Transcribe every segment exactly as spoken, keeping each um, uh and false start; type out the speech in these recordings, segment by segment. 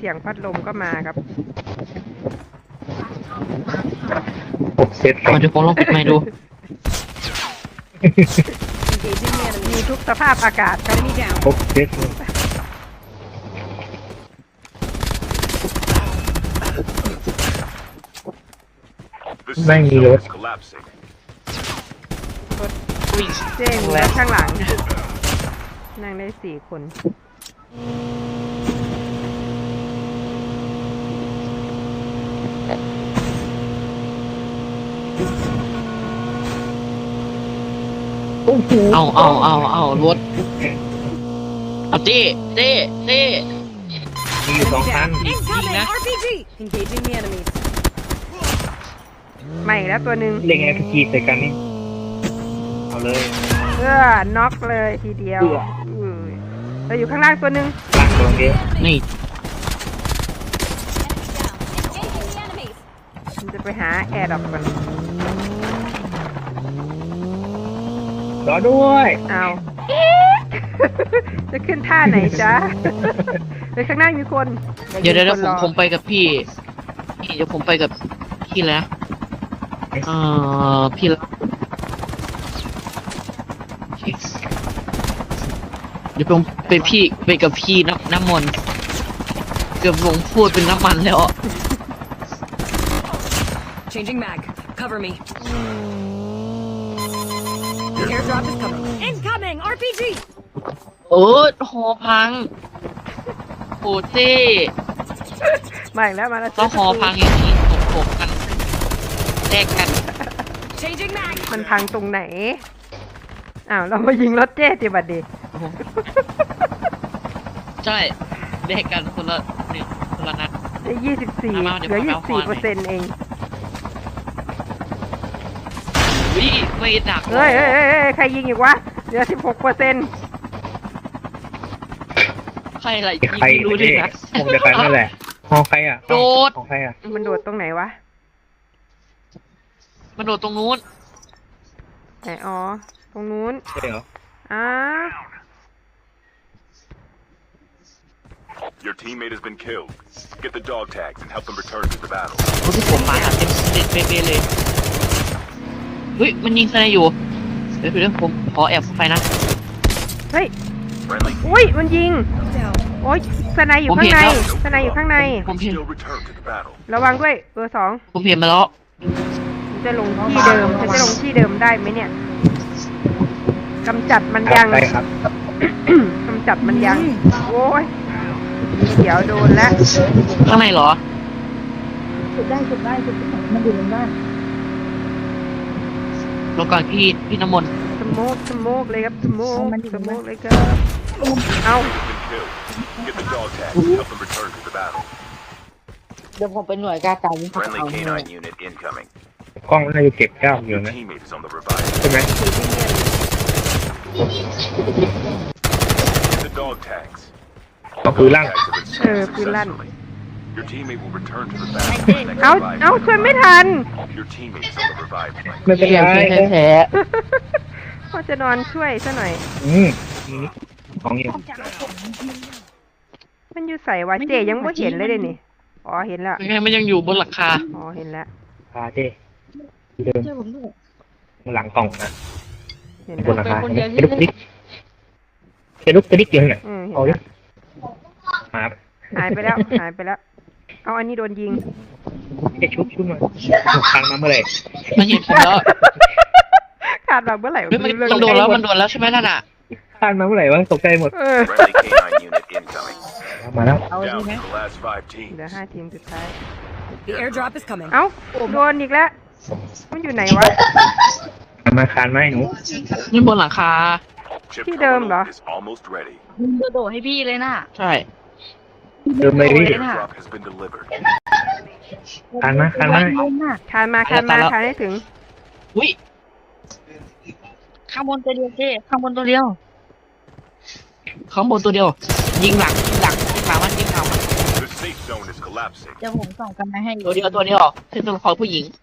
สียงพัดลมก็มาครับผมเซตมาดูฟองลองปิดไมค์ดูมีทุกสภาพอากาศครับผมเซตไม่มีรถเจ๊งแล้วข้างหลังนั่งได้สี่คนเอาเอาเอาเอารถเอาเต้เต้เต้มีอยู่สองคันนะใหม่แล้วตัวหนึ่งเล่นไงพีจีใส่กันนี่เอาเลยเพื่อน็อกเลยทีเดียวเราอยู่ข้างล่างตัวหนึ่งล่างตัวเดียวนี่มันจะไปหาแอร์ดรอปกันรอด้วยเอาจะขึ้นท่าไหนจ๊ะไปข้างหน้ามีคนเดี๋ยวเดี๋ยวผมผมไปกับพี่พี่เดี๋ยวผมไปกับพี่แล้วเออพี่แล้วเดี๋ยวผมไปพี่ไปกับพี่น้ำน้ำมนต์เกือบลงพูดเป็นน้ำมันแล้ว Changing mag. Cover me. The airdrop is coming. Incoming! R P G! เออหอพังโหเต้มาอีกแล้วมาแล้วก็หอพังอย่างนี้ถกถกกันแลกกัน Changing mag. มันพังตรงไหนอ้าวเรามายิงรถเจ๊ติบัดดีใช่แลกกันคนละหนึ่งคนละนัดได้ยี่สิบสี่เหลือยี่สิบสี่เปอร์เซ็นต์เองวิไม่ดักเฮ้ยเฮ้ยเฮ้ยใครยิงอีกวะเหลือสิบหกเปอร์เซ็นต์ใครอะไรยิงไม่รู้ดินะผมจะใครนั่นแหละหอใครอ่ะโดดของใครอ่ะมันโดดตรงไหนวะมันโดดตรงนู้นไหนอ๋อตรงนู้นใช่เหรออ้า Your teammate has been killed. Get the dog tags and help them return to the battle. โอ้ที่ผมมาเต็มเต็มเป๊ะเลยเฮ้ยมันยิงสไนอยู่เดี๋ยวเดี๋ยวผมขอแอบไปนะเฮ้ยอุ้ยมันยิงโอ้ยสไนอยู่ข้างในสไนอยู่ข้างในผมเห็นระวังด้วยเบอร์สองผมเห็นมาแล้วจะลงที่เดิมจะลงที่เดิมได้ไหมเนี่ยกำจัดมันยังกำจัดมันยังโอ้ยเดี๋ยวโดนแล้วข้างในเหรอจุดได้จุดได้จุดมันอยู่ในบ้านลงก่อนพี่พี่น้ำมนต์สโมกสโมกเลยครับสโมกสโมกเลยครับเอาเดี๋ยวผมเป็นหน่วยกล้าตายยิ่งเขาเอากล้องน่าจะเก็บก้ามอยู่นะใช่ไหมก็คือลั่นเออคือลั่นเอาเอาช่วยไม่ทันไม่เป็นไรแพ้พ่อจะนอนช่วยซะหน่อยอืมของอยู่มันอยู่ใส่วะเจยังไม่เห็นเลยเลยนี่อ๋อเห็นแล้วยังไงมันยังอยู่บนหลังคาอ๋อเห็นแล้วคาเจเดิมหลังกล่องนะบนหลังคาเห็นลุกติ๊กเห็นลุกติ๊กอยู่ไหนเอาดิหายหายไปแล้วหายไปแล้วเอาอันนี้โดนยิงจะชุบชุบมาคันมาเมื่อไหร่มันยิงผมแล้วขาดมาเมื่อไหร่มันโดนแล้วมันโดนแล้วใช่ไหมนั่นอ่ะคันมาเมื่อไหร่วะตกใจหมดมาแล้วเอาดีไหมเหลือห้าทีมสุดท้ายเอ้าโดนอีกแล้วมันอยู่ไหนวะมาคานไหมหนูนี่บนหลังคาที่เดิมเหรอมึงโดดให้พี่เลยน่ะใช่เดิมเลยพี่คานมาคานมาคานมาคานมาคานให้ถึงอุ้ยข้างบนตัวเดียวเจ้ข้างบนตัวเดียวข้างบนตัวเดียวยิงหลังยิงหลังยิงหลังมันยิงหลังมันเดี๋ยวผมส่องกันมาให้ตัวเดียวตัวเดียวเป็นตัวละครผู้หญิง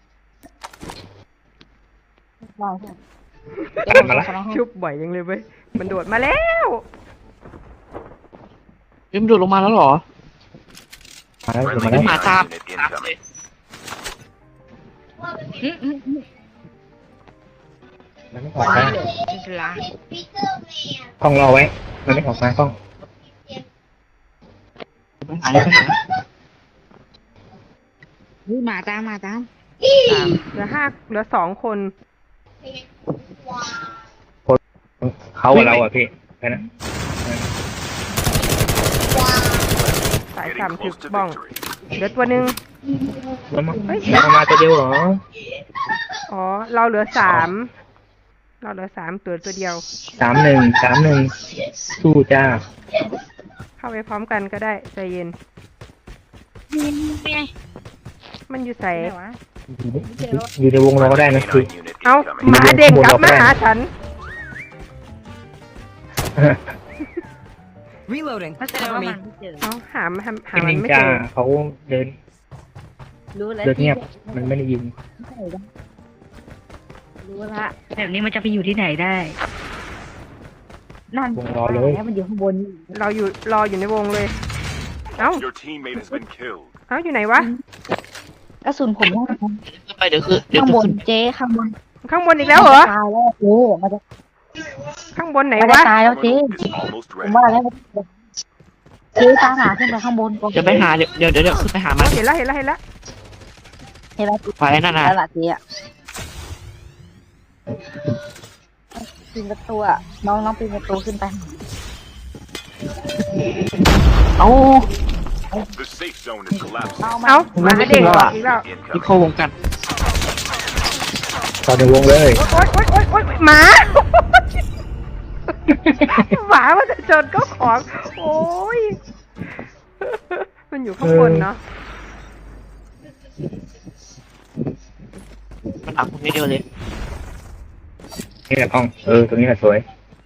ชุบบ่อยยังเลยเว้ยมันโดดมาแล้วมันโดดลงมาแล้วเหรอมาแล้ว Friendly มาแล้วหมาตาม unit ตามเลย incoming. อืมอืมอืมมันไม่ออกมาอิสลามกล้องรอไว้ มันไม่ออกมากล้องไปหาเลยไปหาเฮ้ยหมาตามหมาตามสามเหลือห้าเหลือสองคนเขากับเราอ่ะพี่แค่นั้นสาย Getting สามถึก close to บ้อง victory. เหลือตัวหนึ่งแล้วมาเฮ้ยแล้วมาตัวเดียวเหรออ๋อ เราเหลือสามเราเหลือสามตัวตัวเดียวสามหนึ่งสามหนึ่งสู้จ้าเข้าไปพร้อมกันก็ได้ใจเย็นนี่ไงมันอยู่ใส่ไหนวะอยู่ในวงเราก็ได้นะคือ K nine unit เอ้า incoming. หมาเด้งกลับมาหาฉัน Reloading. ถ้าแสดงว่ามันไม่เจอเอ้าหาหาหาเป็นมันนินไม่จาเจอเขาเดินรู้แล้วเดินเงียบ มันไม่ได้ยิงรู้ละแบบนี้มันจะไปอยู่ที่ไหนได้ นั่นวงรอเลยแล้วมันอยู่ข้างบนเราอยู่รออยู่ในวงเลย เอ้า Your teammate has been killed. เอ้าอยู่ไหนวะกระสุนผมได้ขึ้นไปเดี๋ยวคือเดี๋ยวข้างจะบนขึ้นเจ๊ข้างบนข้างบนอีกแล้วเหรอตายแล้วเจ๊มันจะข้างบนไหนมันวะจะตายแล้วเจ๊ Terminal is almost ผม ready. ว่าแล้วเจ๊ตามหาขึ้นไปข้างบนก่อนเดี๋ยวไปหาเดี๋ยวเดี๋ยวเดี๋ยวเดี๋ยวขึ้นไปหามันเห็นแล้วเห็นแล้วเห็นแล้วเห็นแล้วไปนั่นน่ะแล้วล่ะเจ๊อะปีนประตูอะน้องน้องปีนประตูขึ้นไปเอ้า The safe zone is collapsing. เอามาเอ้าหมัมานไม่เด้งถึงแล้วอออะกอีกแล้วที่ Incoming. เข้าวงกันตอนในวงเลยโอ๊ยโอ๊ยโอ๊ยโอ๊ยหมา หมามันจะชนก็ของ โอ้ย มันอยู่ข้างบนเนาะมันอักคนนี้เดียวเลยนี่แหละกล้อง เออ ตรงนี้แหละสวย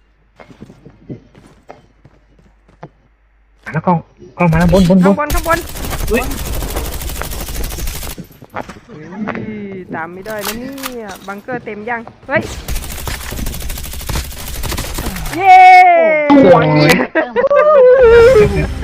อ่ะแล้วกล้อง กล้องมาแล้วบนบนบข้างนบนข้างบนอุ๊ยอุ้ยตามไม่ได้นะเนี่ย บังเกอร์เต็มยัง เฮ้ย เย้โอ้โหเติม